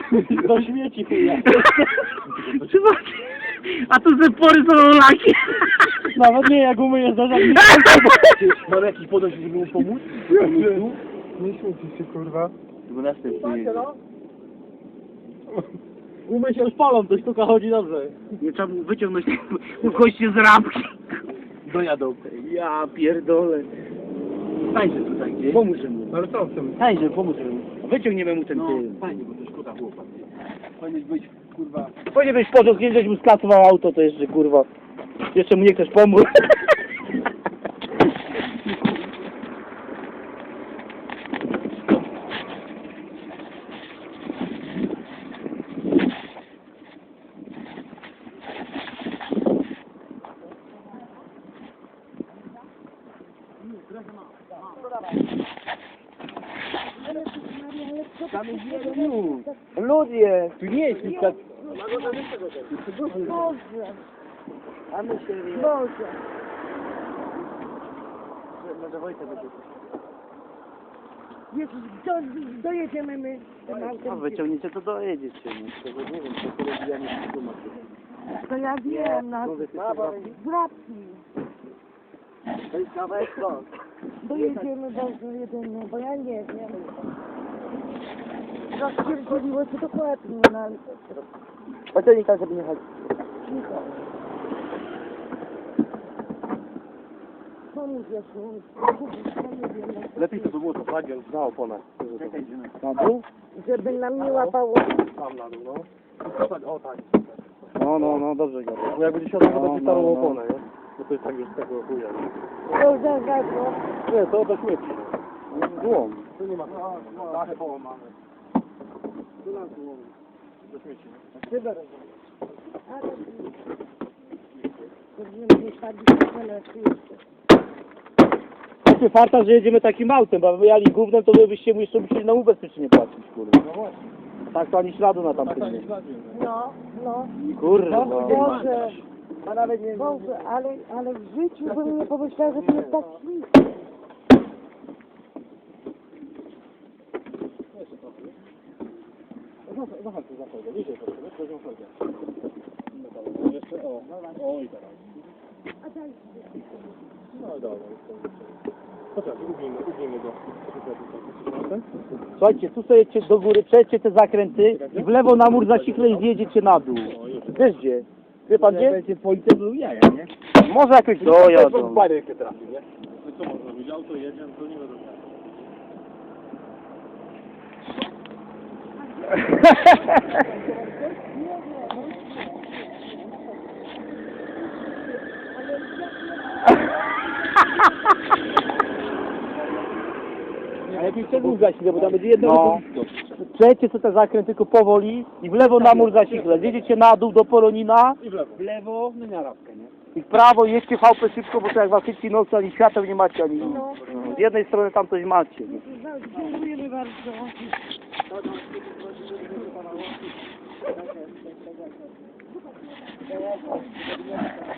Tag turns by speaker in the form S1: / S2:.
S1: Do śmieci chuja.
S2: A tu ze pory są laki.
S1: Nawet nie, jak umyjesz za żadnym.
S3: Mam jakiś podejść, żeby mu pomóc?
S4: Nie śmieci się, kurwa.
S3: 12
S1: Umyj się szpalą, to sztuka chodzi dobrze.
S2: Nie trzeba mu wyciągnąć goście z ramki.
S3: dojadą.
S2: Ja pierdolę. Stańże tutaj gdzieś.
S3: Pomóżmy mu.
S4: Ale co chcemy?
S2: Stańże, pomóżmy mu. Wyciągniemy mu ten tył.
S3: Fajnie, bo to szkoda chłopak. Powinien być, kurwa...
S2: Powinien być pociąg, nie żeś mu skasował auto, to jeszcze kurwa. Jeszcze mu nie ktoś pomógł. Ludzie!
S3: Tu nie jest nic tak...
S5: Boże,
S2: A my się...
S5: Boże.
S2: Może Wojtek będzie.
S5: Jezus, dojedziemy my tym
S2: No
S5: autem.
S2: wyciągniecie to dojedziecie. No. Nie wiem, co to robi, ja nie wiem.
S5: To ja wiem, na zdrabki.
S2: To jest kawałek stąd.
S5: Dojedziemy, Boże, jedyny, bo ja nie wiem. Rozpierdzieliło się dokładnie, no ale
S2: Pociągnij tak, żeby nie chodzić.
S5: cicho. Pomóż jeszcze, ja nie wiem.
S3: Lepiej to by było to flagiel na oponach.
S2: Na dół?
S5: Żeby nam nie łapało.
S3: Tam na dół, no. O tak.
S2: No, dobrze go.
S3: Bo jak będzie siadał, to
S2: No,
S3: będzie starą
S2: no, no.
S3: oponę, nie? Bo to jest tak już z tego chuja.
S5: To zagadło.
S3: Nie, to do śmieci.
S2: Złom.
S3: Tu nie ma. Dachę połamane. Tu na złom. Do śmieci.
S5: Ale... Będziemy wysadzić na jeszcze.
S2: Macie farta, że jedziemy takim autem, bo jali gównem, to wy byście mu jeszcze musieli na ubezpieczenie płacić, kurwa.
S3: No właśnie.
S2: Tak to ani śladu na tamtym nie.
S5: No, no.
S2: Kurwa.
S5: Boże, Boże, ale w życiu bym nie pomyślała, że to jest tak śliczne.
S3: Zachęć za folgę. Bliżej proszę, weź folgę. Jeszcze, o i teraz. No dobra, chociaż ugnijmy go.
S2: Słuchajcie, tu sobie jedźcie do góry, przejdźcie te zakręty i w lewo na mur zasikle i zjedziecie na dół. Wiesz gdzie? Wie pan gdzie?
S3: Będzie policja był jaja, nie?
S2: Może jakoś
S3: To
S2: dojadą.
S3: bajerkę trafił, nie? No co można robić? Auto jedzie, to nie wiadomo.
S2: A lepiej przedłużać, bo tam będzie jedno...
S3: No.
S2: Przejdźcie sobie te zakręty tylko powoli i w lewo na mur zasikle. Zjedziecie na dół do Poronina
S3: I w lewo.
S2: w lewo, no na rawkę, nie? I w prawo jedźcie VP szybko, bo to jak was chyci nocy, ani świateł nie macie, ani...
S5: No.
S2: Z jednej strony tam coś macie.
S5: Dziękujemy bardzo.